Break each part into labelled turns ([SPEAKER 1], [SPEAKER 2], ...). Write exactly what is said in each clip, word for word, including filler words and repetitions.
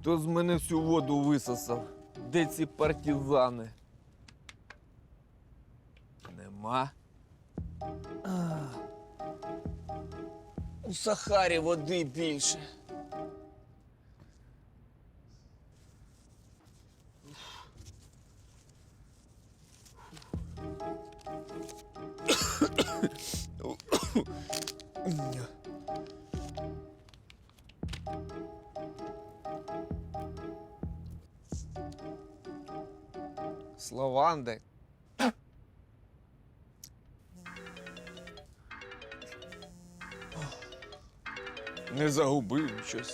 [SPEAKER 1] Хто з мене всю воду висосав? Де ці партизани? Нема. А. У Сахарі води більше. З лаванди. Не загубив щось.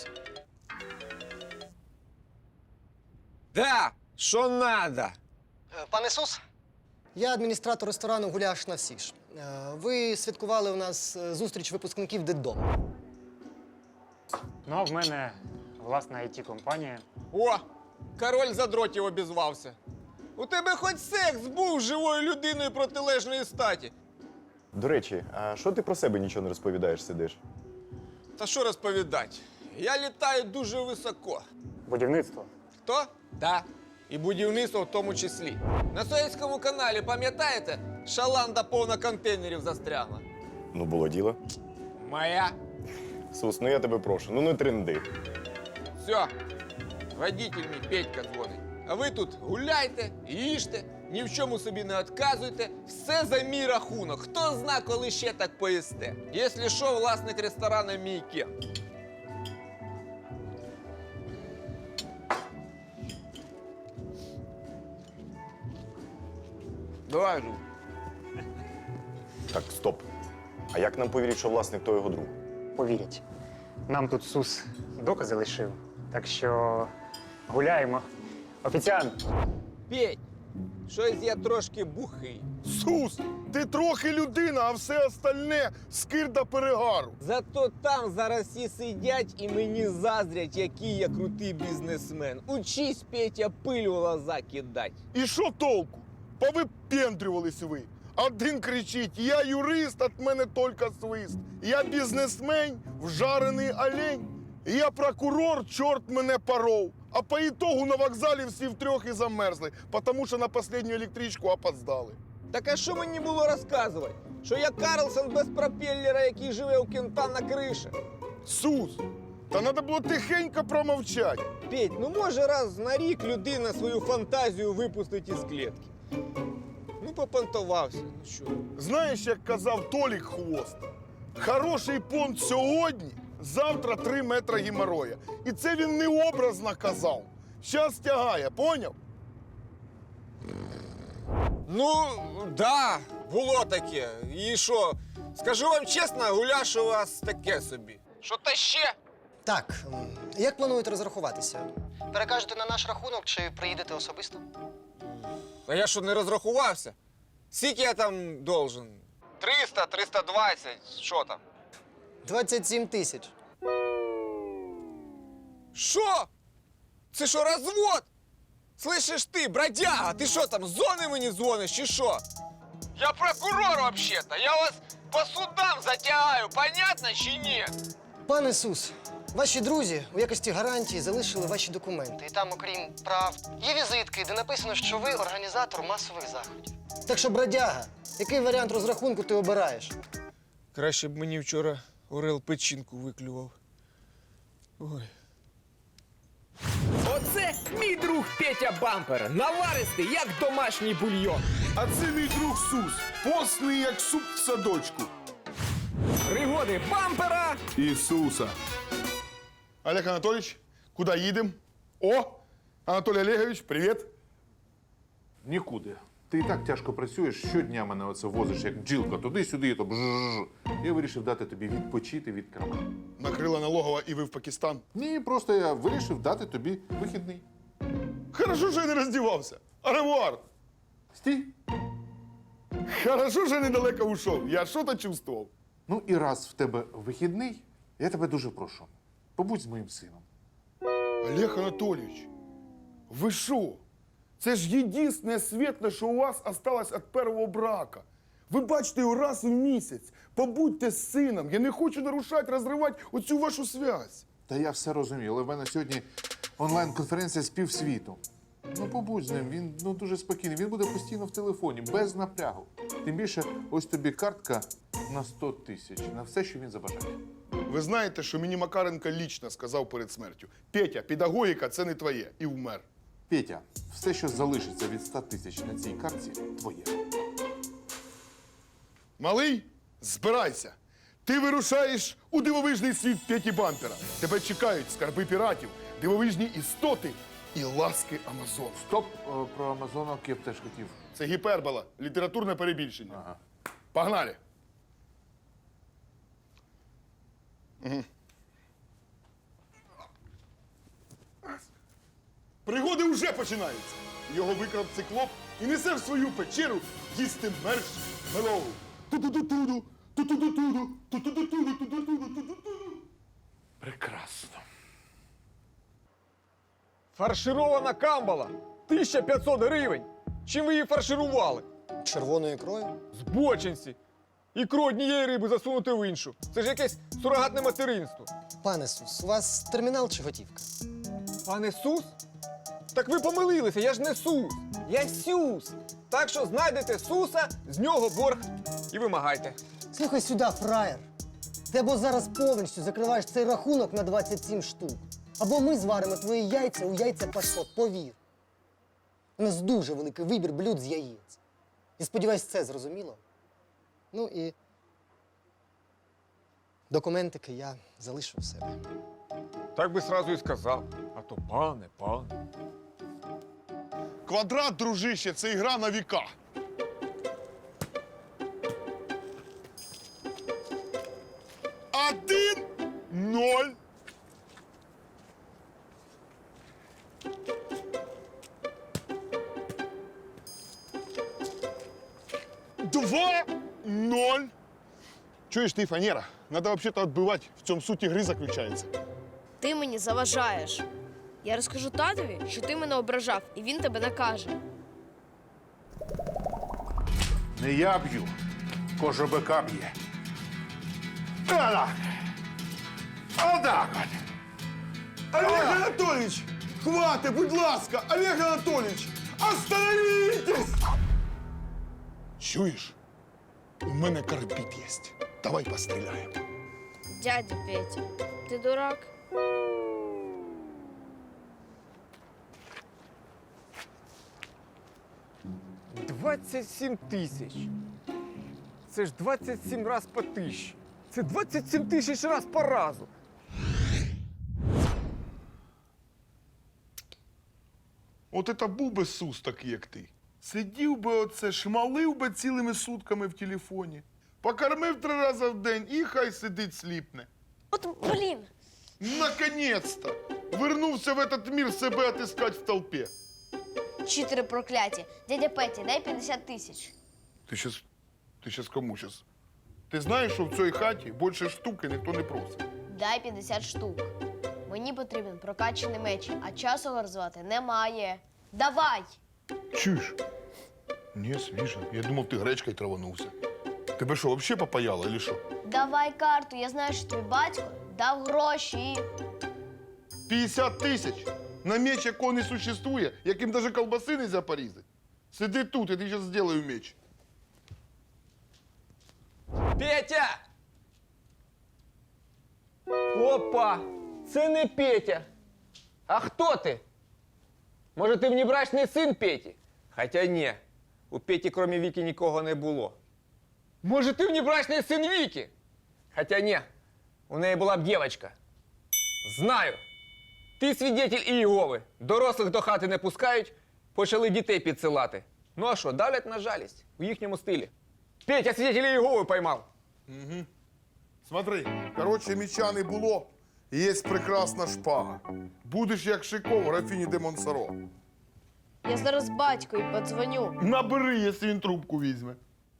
[SPEAKER 1] Да, що надо?
[SPEAKER 2] Пане Ісус, я адміністратор ресторану «Гуляш на всі ж». Е, Ви святкували у нас е, зустріч випускників дитдому.
[SPEAKER 3] Ну, а в мене власна ай ті-компанія.
[SPEAKER 1] О, король задротів обізвався. У тебе хоч секс був з живою людиною протилежної статі.
[SPEAKER 4] До речі, а що ти про себе нічого не розповідаєш, сидиш?
[SPEAKER 1] Та що розповідати? Я літаю дуже високо.
[SPEAKER 3] Будівництво.
[SPEAKER 1] Хто? Да. І будівництво в тому числі. На Суецькому каналі, пам'ятаєте, шаланда повна контейнерів застрягла?
[SPEAKER 4] Ну, було діло.
[SPEAKER 1] Моя.
[SPEAKER 4] Сус, ну я тебе прошу, ну не тренди.
[SPEAKER 1] Все. Водитель мій Петька дзвонить. А ви тут гуляйте, їжте, ні в чому собі не відказуйте. Все за мій рахунок. Хто зна, коли ще так поїсте. Якщо що, власник ресторану мій Кен. Давай, Жу.
[SPEAKER 4] Так, стоп. А як нам повірять, що власник то його друг?
[SPEAKER 3] Повірять. Нам тут Сус докази лишив. Так що гуляємо. Офіціант.
[SPEAKER 1] Петь, щось я трошки бухий.
[SPEAKER 5] Сус, ти трохи людина, а все остальне скирда перегару.
[SPEAKER 1] Зато там зараз всі сидять і мені заздрять, який я крутий бізнесмен. Учись, Петя, пиль у глаза кидать.
[SPEAKER 5] І що толку? Повипендрювались ви. Один кричить: я юрист, от мене тільки свист. Я бізнесмен, вжарений олень. Я прокурор, чорт мене поров. А по ітогу на вокзалі всі втрьох і замерзли, тому що на останню електричку опоздали.
[SPEAKER 1] Так а що мені було розказувати? Що я Карлсон без пропеллера, який живе у кента на криші?
[SPEAKER 5] Сус, та треба було тихенько промовчати.
[SPEAKER 1] Петь, ну може раз на рік людина свою фантазію випустить із клітки. Ну, попонтувався, ну що.
[SPEAKER 5] Знаєш, як казав Толік Хвост, хороший понт сьогодні, завтра три метри геморроя. І це він не образно казав. Щас тягає, поняв?
[SPEAKER 1] Ну, да, було таке. І що? Скажу вам чесно, гуляш у вас таке собі. Що та ще?
[SPEAKER 2] Так, м, як плануєте розрахуватися? Перекажете на наш рахунок чи приїдете особисто?
[SPEAKER 1] А я що, не розрахувався? Скільки я там должен? триста, триста двадцять, що там?
[SPEAKER 2] двадцять сім тисяч.
[SPEAKER 1] Що? Це що, розвод? Слышиш ти, бродяга, ти що там, з зони мені дзвониш чи що? Я прокурор вообще-то, я вас по судам затягаю, понятно чи ні?
[SPEAKER 2] Пане Ісус, ваші друзі у якості гарантії залишили ваші документи. І там, окрім прав, є візитки, де написано, що ви організатор масових заходів. Так що, бродяга, який варіант розрахунку ти обираєш?
[SPEAKER 1] Краще б мені вчора Орел печінку виклював. Ой.
[SPEAKER 6] Оце мій друг Петя Бампер. Наваристий, як домашній бульйон.
[SPEAKER 5] А це мій друг Сус, постний, як суп в садочку.
[SPEAKER 6] Пригоди бампера.
[SPEAKER 5] Ісуса. Олег Анатолійович, куди їдемо? О, Анатолій Олегович, привіт.
[SPEAKER 7] Нікуди. Ти і так тяжко працюєш, щодня мене оце возиш, як бджілка, туди-сюди, то бжжж. Я вирішив дати тобі відпочити від керма.
[SPEAKER 5] Накрила налогова і ви в Пакистан.
[SPEAKER 7] Ні, просто я вирішив дати тобі вихідний.
[SPEAKER 5] Хорошо, що я не роздівався. Аревуар.
[SPEAKER 7] Стій.
[SPEAKER 5] Хорошо, що я недалеко ушов. Я що-то чувствував.
[SPEAKER 7] Ну і раз в тебе вихідний, я тебе дуже прошу. Побудь з моїм сином.
[SPEAKER 5] Олег Анатолійович, ви що? Це ж єдине світле, що у вас осталось від першого брака. Ви бачите його раз в місяць. Побудьте з сином. Я не хочу нарушати, розривати оцю вашу зв'язь.
[SPEAKER 7] Та я все розумію, але в мене сьогодні онлайн-конференція з півсвіту. Ну, побудь з ним, він ну, дуже спокійний. Він буде постійно в телефоні, без напрягу. Тим більше, ось тобі картка на сто тисяч, на все, що він забажає.
[SPEAKER 5] Ви знаєте, що мені Макаренко лічно сказав перед смертю: Петя, педагогіка – це не твоє. І вмер.
[SPEAKER 7] Петя, все, що залишиться від ста тисяч на цій картці, твоє.
[SPEAKER 5] Малий, збирайся. Ти вирушаєш у дивовижний світ Петі Бампера. Тебе чекають скарби піратів, дивовижні істоти і ласки Амазон.
[SPEAKER 7] Стоп, е, про Амазонок я б теж хотів.
[SPEAKER 5] Це гіпербола, літературне перебільшення.
[SPEAKER 7] Ага.
[SPEAKER 5] Погнали. Угу. Пригоди вже починаються. Його викрав циклоп і несе в свою печеру їсти мерш мелову. Ту-ту-ту-туду, ту-ту-ту-туду, ту-ту-ту-туду, ту-ту-ту-туду, ту-ту-ту.
[SPEAKER 7] Прекрасно.
[SPEAKER 1] Фарширована камбала. тисяча п'ятсот гривень. Чим ви її фарширували?
[SPEAKER 2] Червоною ікрою?
[SPEAKER 1] Збочинці. Ікру однієї риби засунути в іншу. Це ж якесь сурогатне материнство.
[SPEAKER 2] Пане Сус, у вас термінал чи готівка?
[SPEAKER 1] Пане Сус? Так ви помилилися, я ж не Сус. Я Сюс. Так що знайдете Суса, з нього борг і вимагайте.
[SPEAKER 2] Слухай сюди, фраєр. Ти або зараз повністю закриваєш цей рахунок на двадцять сім штук, або ми зваримо твої яйця у яйця пашот, повір. У нас дуже великий вибір блюд з яєць. І сподіваюсь, це зрозуміло. Ну і документики я залишу в себе.
[SPEAKER 1] Так би сразу і сказав. А то пане, пане.
[SPEAKER 5] Квадрат, дружище, це ігра на віка. Один, ноль. Два, ноль. Чуєш ти, фанера? Надо вообще-то отбивать. В цьому суть ігри заключається.
[SPEAKER 8] Ти мені заважаєш. Я розкажу татові, що ти мене ображав, і він тебе накаже.
[SPEAKER 7] Не я б'ю, кожобика б'є. Отак. Отак от.
[SPEAKER 5] Олег Анатольевич, хватит, будь ласка! Олег Анатольевич, остановитесь! Чуєш? У мене карбіт є. Давай постріляємо.
[SPEAKER 8] Дядя Петя, ти дурак?
[SPEAKER 1] двадцять сім тисяч. Це ж двадцять сім раз по тисячі. Це двадцять сім тисяч раз по разу.
[SPEAKER 5] От это був би Сус такий, як ти. Сидів би оце, шмалив би цілими сутками в телефоні. Покормив три рази в день і хай сидить сліпне.
[SPEAKER 8] От, блін,
[SPEAKER 5] Наконец-то! Вернувся в этот мир себе отыскать в толпе.
[SPEAKER 8] читери прокляті. Дядя Петя, дай п'ятдесят тисяч.
[SPEAKER 5] Ти щас, ти щас кому щас? Ти знаєш, що в цій хаті більше штуки ніхто не просить.
[SPEAKER 8] Дай п'ятдесят штук. Мені потрібен прокачаний меч, а часу розвивати немає. Давай!
[SPEAKER 5] Чуєш? Ні, свіжо. Я думав, ти гречкою траванувся. Тебе що, взагалі попаяло, или що?
[SPEAKER 8] Давай карту, я знаю, що твій батько дав гроші.
[SPEAKER 5] п'ятдесят тисяч? На меч, якого не существує, яким навіть колбаси не можна порізати. Сиди тут, я тобі зараз зроблю меч.
[SPEAKER 1] Петя! Опа! Це не Петя. А хто ти? Може, ти внебрачний син Петі? Хоча ні. У Петі, крім Віки, нікого не було. Може, ти внебрачний син Віки? Хоча ні. У неї була б дівчинка. Знаю. Ти свідетель Ієгови. Дорослих до хати не пускають, почали дітей підсилати. Ну а що, давлять на жалість у їхньому стилі. Петя свідетеля Ієгови поймав.
[SPEAKER 5] Смотри, коротше, меча не було, є прекрасна шпага. Будеш як Шико в графіні де Монсоро.
[SPEAKER 8] Я зараз батькові подзвоню.
[SPEAKER 5] Набери, якщо він трубку візьме.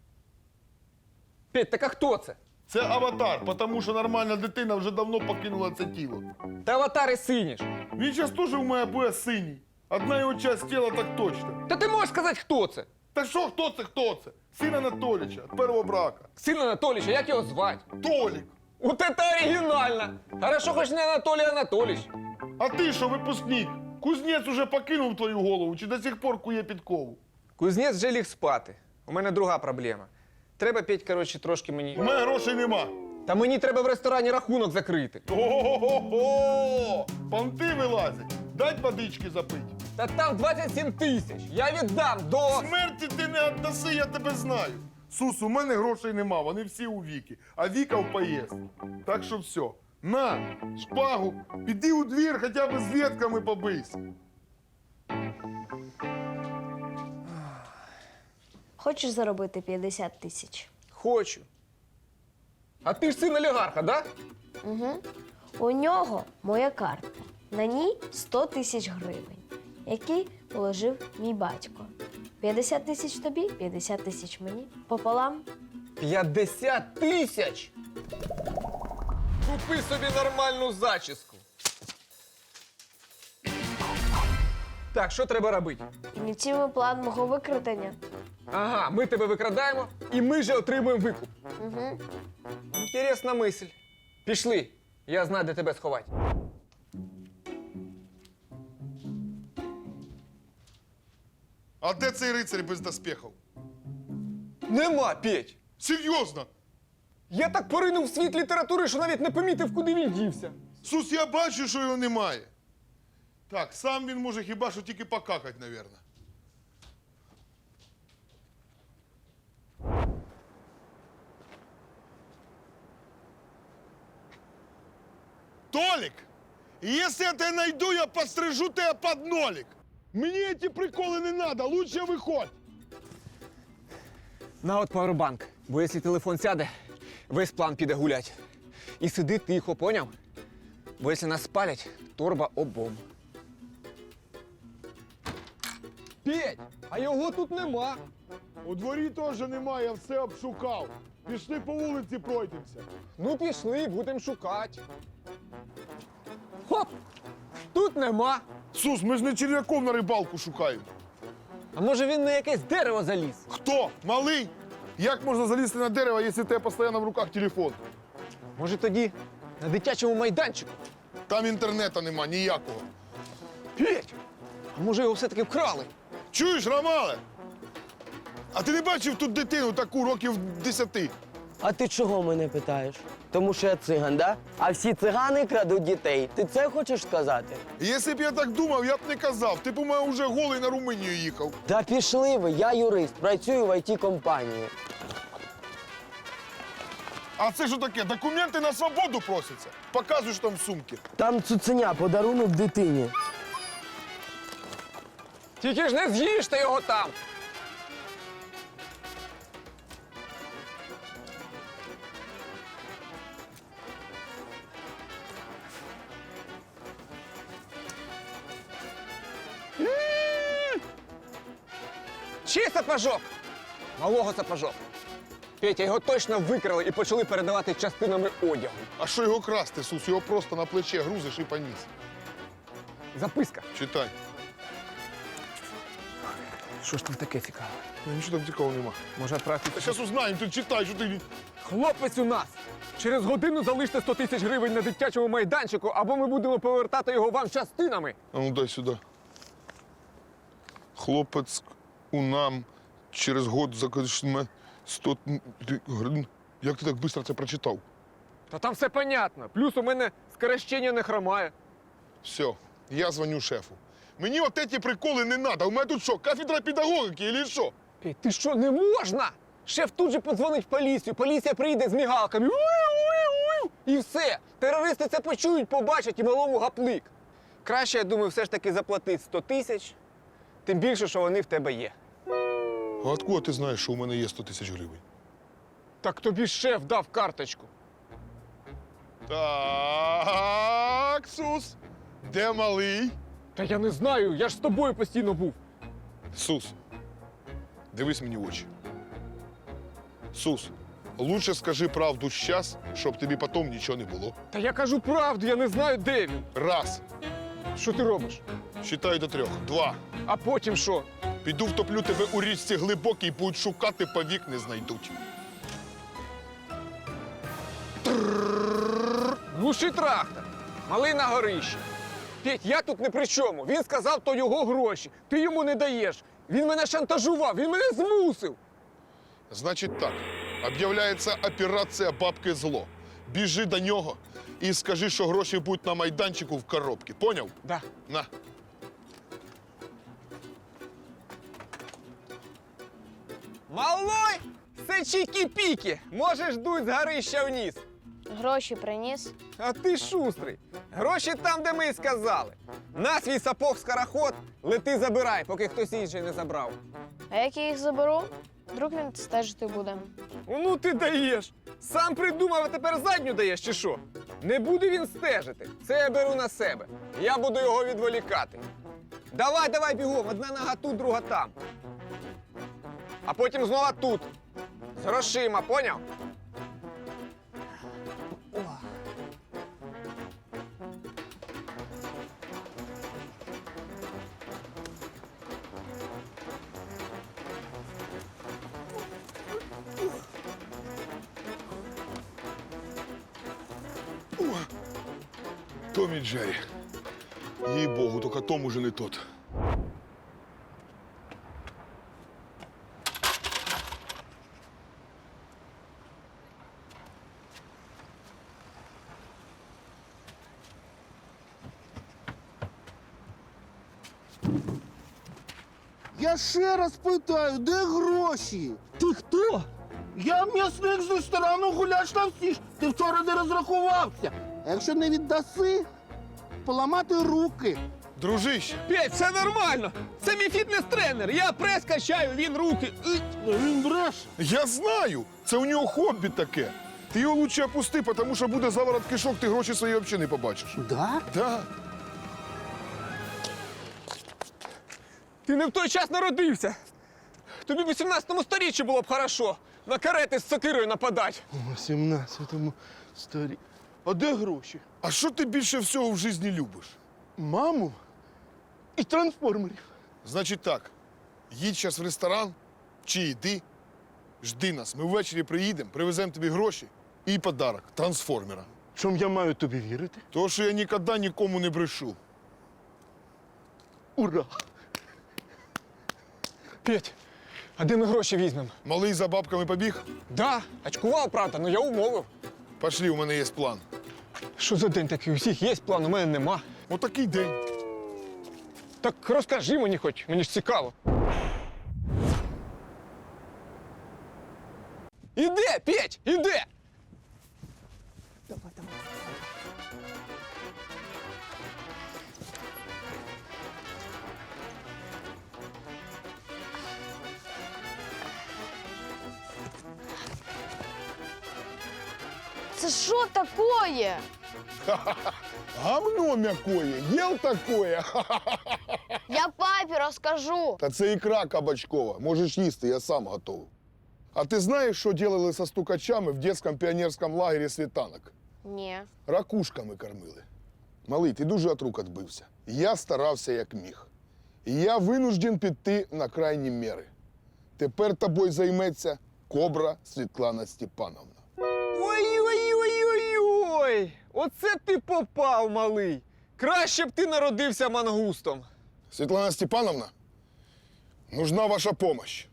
[SPEAKER 1] Петь, так а хто це?
[SPEAKER 5] Це аватар, тому що нормальна дитина вже давно покинула це тіло.
[SPEAKER 1] Та аватари сині ж.
[SPEAKER 5] Він зараз теж у мене буде синій. Одна його часть тіла так точно.
[SPEAKER 1] Та ти можеш сказати, хто це?
[SPEAKER 5] Та що, хто це, хто це? Син Анатоліча, від першого брака.
[SPEAKER 1] Син Анатолійовича, як його звати?
[SPEAKER 5] Толік.
[SPEAKER 1] Вот это оригинально! Хорошо, хоч не Анатолій Анатолійович.
[SPEAKER 5] А ти що, випускник? Кузнець уже покинув твою голову чи до сих пор кує підкову?
[SPEAKER 1] Кузнець вже ліг спати. У мене друга проблема. Треба, Петь, коротше, трошки
[SPEAKER 5] У
[SPEAKER 1] мені.
[SPEAKER 5] мене грошей нема.
[SPEAKER 1] Та мені треба в ресторані рахунок закрити.
[SPEAKER 5] Ого-го-го! Понти вилазять. Дать водички запить.
[SPEAKER 1] Та там двадцять сім тисяч. Я віддам до.
[SPEAKER 5] Смерті ти не віддаси, я тебе знаю. Сус, у мене грошей нема, вони всі у Віки, а Віка в поїзд. Так що все. На, шпагу, піди у двір, хоча б з ветками побийся.
[SPEAKER 8] Хочеш заробити п'ятдесят тисяч?
[SPEAKER 1] Хочу. А ти ж син олігарха, да?
[SPEAKER 8] Угу. У нього моя картка. На ній сто тисяч гривень, які положив мій батько. п'ятдесят тисяч тобі, п'ятдесят тисяч мені. Пополам.
[SPEAKER 1] п'ятдесят тисяч? Купи собі нормальну зачіску. Так, що треба робити?
[SPEAKER 8] Ініціюємо план мого викрадення.
[SPEAKER 1] Ага, ми тебе викрадаємо, і ми же отримуємо викуп.
[SPEAKER 8] Угу.
[SPEAKER 1] Інтересна мисль. Пішли, я знаю, де тебе сховати.
[SPEAKER 5] А де цей рицарь без доспехів?
[SPEAKER 1] Нема, Петь.
[SPEAKER 5] Серйозно?
[SPEAKER 1] Я так поринув в світ літератури, що навіть не помітив, куди він дівся.
[SPEAKER 5] Сус, я бачу, що його немає. Так, сам він може хіба що тільки покакать, мабуть. Толик, если я тебя найду, я пострижу тебя под нолик. Мне эти приколы не надо, лучше выходь.
[SPEAKER 1] На от пауербанк, бо якщо телефон сяде, весь план піде гулять. І сиди тихо, поняв? Бо якщо нас спалять, торба обом. Петь, а його тут нема.
[SPEAKER 5] У дворі теж немає, я все обшукав. Пішли по вулиці, пройдемося.
[SPEAKER 1] Ну пішли, будемо шукати. Хоп! Тут нема.
[SPEAKER 5] Сус, ми ж не черв'яков на рибалку шукаємо.
[SPEAKER 1] А може він на якесь дерево заліз?
[SPEAKER 5] Хто? Малий? Як можна залізти на дерево, якщо у тебе постійно в руках телефон?
[SPEAKER 1] Може тоді на дитячому майданчику?
[SPEAKER 5] Там інтернету нема ніякого.
[SPEAKER 1] Петь! А може його все-таки вкрали?
[SPEAKER 5] Чуєш, Ромале? А ти не бачив тут дитину таку років десяти?
[SPEAKER 9] А ти чого мене питаєш? Тому що я циган, да? А всі цигани крадуть дітей. Ти це хочеш сказати?
[SPEAKER 5] Якщо б я так думав, я б не казав. Ти б у мене вже голий на Румунію їхав.
[SPEAKER 9] Та пішли ви, я юрист, працюю в ай ті-компанії.
[SPEAKER 5] А це що таке? Документи на свободу просяться. Показуй, що там в сумці.
[SPEAKER 9] Там цуценя, подарунок дитині.
[SPEAKER 1] Тільки ж не з'їжте його там! Чий сапожок? Малого сапожок. Петя, його точно викрали і почали передавати частинами одягу.
[SPEAKER 5] А що його красти, Сус? Його просто на плече грузиш і поніс.
[SPEAKER 1] Записка.
[SPEAKER 5] Читай.
[SPEAKER 1] Що ж там таке цікаве?
[SPEAKER 5] Ну, нічого там цікавого нема.
[SPEAKER 1] Може відправити?
[SPEAKER 5] Та зараз узнаємо, ти читай, що ти...
[SPEAKER 1] Хлопець у нас! Через годину залиште сто тисяч гривень на дитячому майданчику, або ми будемо повертати його вам частинами.
[SPEAKER 5] А ну дай сюди. Хлопець у нам через год закажме сто гривень. Як ти так швидко це прочитав?
[SPEAKER 1] Та там все понятно. Плюс у мене скорощення не хромає.
[SPEAKER 5] Все, я дзвоню шефу. Мені от ці приколи не треба. У мене тут що, кафедра педагогіки чи що?
[SPEAKER 1] Ей, ти що, не можна? Шеф тут же подзвонить в поліцію, поліція прийде з мігалками. Уй-уй-уй! І все. Терористи це почують, побачать і малому гаплик. Краще, я думаю, все ж таки заплатити сто тисяч, тим більше, що вони в тебе є.
[SPEAKER 5] А откуда ти знаєш, що у мене є сто тисяч гривень?
[SPEAKER 1] Так тобі ж шеф дав карточку.
[SPEAKER 5] Так, Сус, де малий?
[SPEAKER 1] Та я не знаю, я ж з тобою постійно був.
[SPEAKER 5] Сус, дивись мені в очі. Сус, лучше скажи правду зараз, щоб тобі потім нічого не було.
[SPEAKER 1] Та я кажу правду, я не знаю, де він.
[SPEAKER 5] Раз,
[SPEAKER 1] Що ти робиш?
[SPEAKER 5] считаю до трьох. Два.
[SPEAKER 1] А потім що?
[SPEAKER 5] Піду втоплю тебе у річці глибокій, будуть шукати, повік не знайдуть.
[SPEAKER 1] Глуши трактор. Малий на горищі. Петь, я тут не при чому. Він сказав, то його гроші. Ти йому не даєш. Він мене шантажував, він мене змусив.
[SPEAKER 5] Значить так, об'являється операція «Бабки зло». Біжи до нього і скажи, що гроші будуть на майданчику в коробці. Поняв?
[SPEAKER 1] Да.
[SPEAKER 5] На.
[SPEAKER 1] Малой, це чікі-пікі. Можеш дуть з горища вниз.
[SPEAKER 8] Гроші приніс.
[SPEAKER 1] А ти шустрий. Гроші там, де ми й сказали. На свій сапог-скороход, лети забирай, поки хтось інший не забрав.
[SPEAKER 8] А як я їх заберу, вдруг він стежити буде.
[SPEAKER 1] Ну ти даєш. Сам придумав, а тепер задню даєш, чи що? Не буде він стежити. Це я беру на себе. Я буду його відволікати. Давай, давай бігом, одна нога тут, друга там. А потім знову тут. З грошима, поняв?
[SPEAKER 5] Том і Джері. Їй-богу, тільки Том уже не тот.
[SPEAKER 10] Я ще раз питаю, де гроші? Ти хто? Я м'ясник з ресторану «Гуляш на всі ж». Ти вчора не розрахувався. А якщо не віддаси, поламати руки.
[SPEAKER 5] Дружище,
[SPEAKER 1] Петь, все нормально. Це мій фітнес-тренер. Я прес качаю, він руки. Ить.
[SPEAKER 10] Він бреше.
[SPEAKER 5] я знаю, це у нього хобі таке. Ти його лучше опусти, тому що буде заворот кишок, ти гроші свої взагалі не побачиш.
[SPEAKER 10] Да?
[SPEAKER 5] Да.
[SPEAKER 1] Ти не в той час народився. Тобі в вісімнадцятому сторіччі було б хорошо. На карети з сокирою нападати.
[SPEAKER 10] У сімнадцятому сторі. А де гроші?
[SPEAKER 5] А що ти більше всього в житті любиш?
[SPEAKER 10] Маму і трансформерів.
[SPEAKER 5] Значить так, їдь зараз в ресторан, чи йди, жди нас. Ми ввечері приїдемо, привеземо тобі гроші і подарок – трансформера.
[SPEAKER 10] Чому я маю тобі вірити?
[SPEAKER 5] Тому що я ніколи нікому не брешу.
[SPEAKER 10] Ура!
[SPEAKER 1] Петь, а де ми гроші візьмемо?
[SPEAKER 5] Малий за бабками побіг?
[SPEAKER 1] Да, очкував, правда, але я умовив.
[SPEAKER 5] Пошли, у мене є план.
[SPEAKER 1] Що за день такий? У всіх є план, у мене нема.
[SPEAKER 5] Отакий день.
[SPEAKER 1] Так розкажи мені хоч, мені ж цікаво. Іде, Петь, іде! Давай, давай.
[SPEAKER 8] Це що такое?
[SPEAKER 5] Гавно м'якое, їв такое.
[SPEAKER 8] Я папі розкажу.
[SPEAKER 5] Та це ікра кабачкова. Можеш їсти, я сам готовий. А ти знаєш, що робили со стукачами в дитячому піонерському лагері «Світанок»?
[SPEAKER 8] Ні.
[SPEAKER 5] Ракушками кормили. Малий, ти дуже от рук відбився. Я старався як міг. І я винужден піти на крайні міри. Тепер тобою займеться Кобра Світлана Степановна.
[SPEAKER 1] Ой-ой-ой-ой-ой! Оце ти попав, малий! Краще б ти народився мангустом.
[SPEAKER 5] Світлана Степановна, нужна ваша помощь.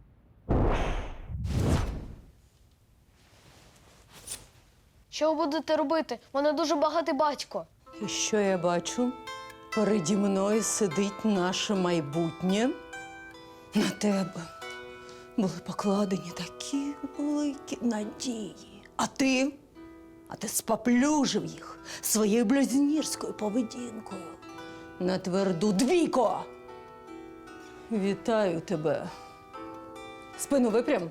[SPEAKER 8] Що ви будете робити? У мене дуже багатий батько.
[SPEAKER 11] І що я бачу? Переді мною сидить наше майбутнє. На тебе були покладені такі великі надії. А ти? А ти споплюжив їх своєю блюзнірською поведінкою. На тверду двійко! Вітаю тебе. Спину випрям.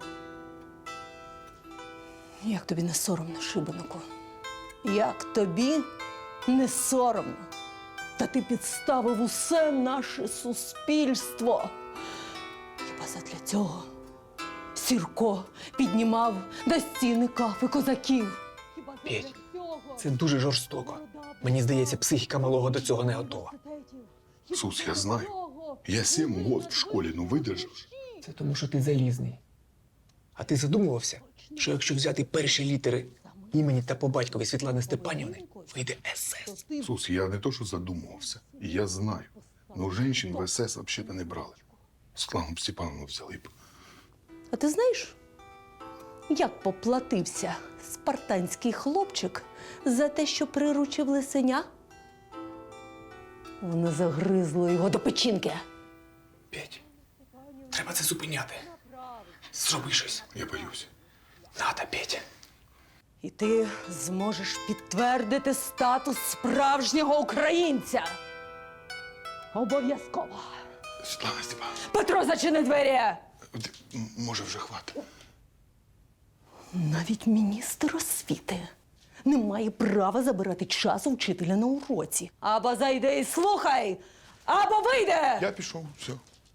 [SPEAKER 11] Як тобі не соромно, шибенику? Як тобі не соромно? Та ти підставив усе наше суспільство. Хіба задля цього Сірко піднімав до стіни кафи козаків? Хіба задля
[SPEAKER 1] Петь,
[SPEAKER 11] цього
[SPEAKER 1] це дуже жорстоко. Мені здається, психіка малого до цього не готова.
[SPEAKER 5] Сус, я знаю. Я сім років в школі, ну видержав.
[SPEAKER 1] Це тому, що ти залізний. А ти задумувався, що якщо взяти перші літери
[SPEAKER 12] імені та по батькові Світлани Степанівни вийде есе.
[SPEAKER 5] Сус, я не то, що задумувався. Я знаю. Ну, жінчин в ес ес взагалі не брали. З кланом Степановну взяли б.
[SPEAKER 11] А ти знаєш, як поплатився спартанський хлопчик за те, що приручив лисеня? Вони загризли його до печінки.
[SPEAKER 12] Петь, треба це зупиняти. Зроби щось.
[SPEAKER 5] Я боюсь.
[SPEAKER 12] Надо, Петя.
[SPEAKER 11] І ти зможеш підтвердити статус справжнього українця. Обов'язково.
[SPEAKER 5] Світлана Степановна,
[SPEAKER 11] Петро, зачини двері!
[SPEAKER 5] от, м, може вже хватить.
[SPEAKER 11] Навіть міністр освіти не має права забирати час у вчителя на уроці. Або зайди і слухай, або вийде!
[SPEAKER 5] Я пішов, все.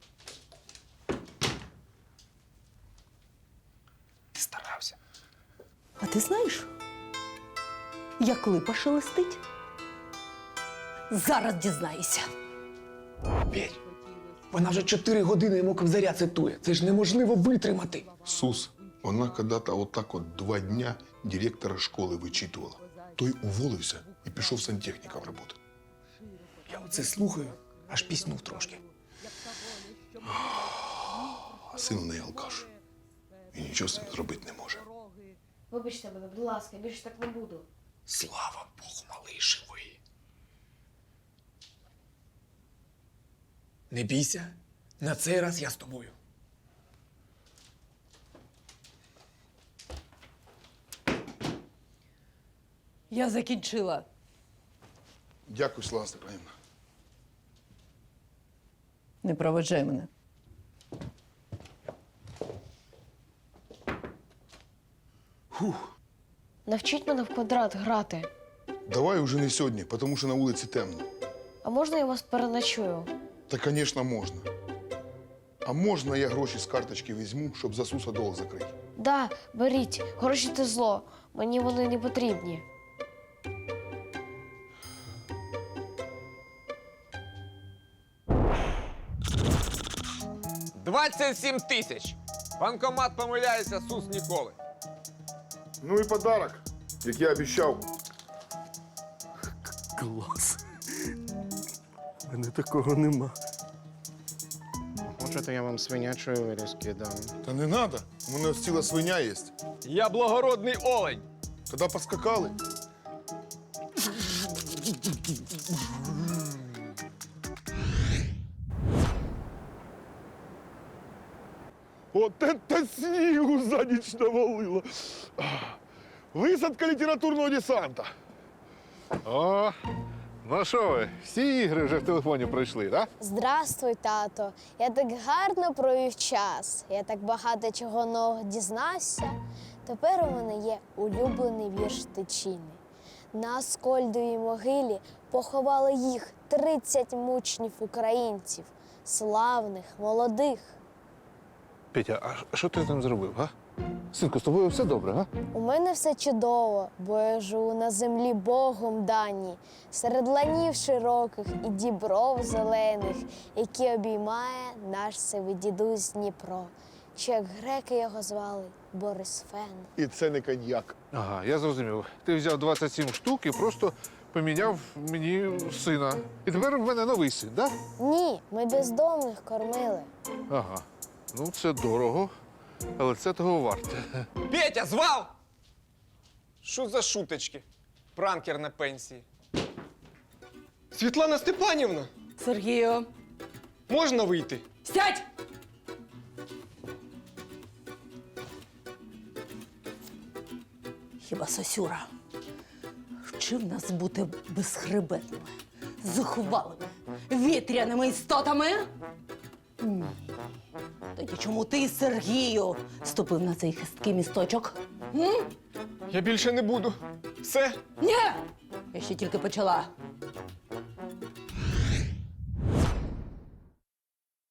[SPEAKER 12] Ти старався.
[SPEAKER 11] А ти знаєш, як липа шелестить? Зараз дізнаєшся.
[SPEAKER 12] Петь, вона вже чотири години йому ковзаря цитує. Це ж неможливо витримати.
[SPEAKER 5] Сус, вона когда-то вот так вот два дня директора школи вичитувала. Той уволився і пішов сантехніком працювати.
[SPEAKER 12] Я оце слухаю, аж піснув трошки.
[SPEAKER 5] А син у неї алкаш. І нічого з цим зробити не може.
[SPEAKER 8] Вибачте мене, будь ласка, більше так не буду.
[SPEAKER 12] Слава Богу, малий живий. Не бійся, на цей раз я з тобою.
[SPEAKER 11] Я закінчила.
[SPEAKER 5] Дякую, Слава Степанівна.
[SPEAKER 11] Не проведжай мене.
[SPEAKER 8] Навчіть мене в квадрат грати.
[SPEAKER 5] Давай уже не сьогодні, тому що на вулиці темно.
[SPEAKER 8] А можна я вас переночую?
[SPEAKER 5] Та, звісно, можна. А можна я гроші з карточки візьму, щоб за Суса долг закрити?
[SPEAKER 8] Да, беріть, гроші це зло. Мені вони не потрібні.
[SPEAKER 1] двадцять сім тисяч. Банкомат помиляється, Сус ніколи.
[SPEAKER 5] Ну і подарок, як я обіцяв.
[SPEAKER 10] Клас. У мене такого нема.
[SPEAKER 2] Хочете, я вам свинячої вирізки дам?
[SPEAKER 5] Та не треба, у мене ось ціла свиня є.
[SPEAKER 1] Я благородний олень.
[SPEAKER 5] Тоді поскакали. От це снігу за ніч навалило. Висадка літературного десанта.
[SPEAKER 7] О, ну що ви, всі ігри вже в телефоні пройшли, так?
[SPEAKER 13] Здравствуй, тато. Я так гарно провів час. Я так багато чого нового дізнався. Тепер у мене є улюблений вірш Тичини. На Аскольдовій могилі поховали їх тридцять мучнів українців, славних, молодих.
[SPEAKER 7] Петя, а що ти там зробив, а? Синку, з тобою все добре, а?
[SPEAKER 13] У мене все чудово, бо я живу на землі Богом даній, серед ланів широких і дібров зелених, які обіймає наш сивий дідусь Дніпро. Чи як греки його звали Борисфен.
[SPEAKER 5] І це не коньяк.
[SPEAKER 7] Ага, я зрозумів. Ти взяв двадцять сім штук і просто поміняв мені сина. І тепер в мене новий син, так?
[SPEAKER 13] Ні, ми бездомних кормили.
[SPEAKER 7] Ага. Ну, це дорого, але це того варте.
[SPEAKER 1] Петя, звав! Що за шуточки? Пранкер на пенсії. Світлана Степанівна,
[SPEAKER 11] Сергію,
[SPEAKER 1] можна вийти?
[SPEAKER 11] сядь! Хіба Сосюра вчив нас бути безхребетними, зухвалими, вітряними істотами? Ні. Тоді чому ти, Сергію, ступив на цей хисткий місточок? М?
[SPEAKER 1] Я більше не буду. Все.
[SPEAKER 11] Ні! Я ще тільки почала.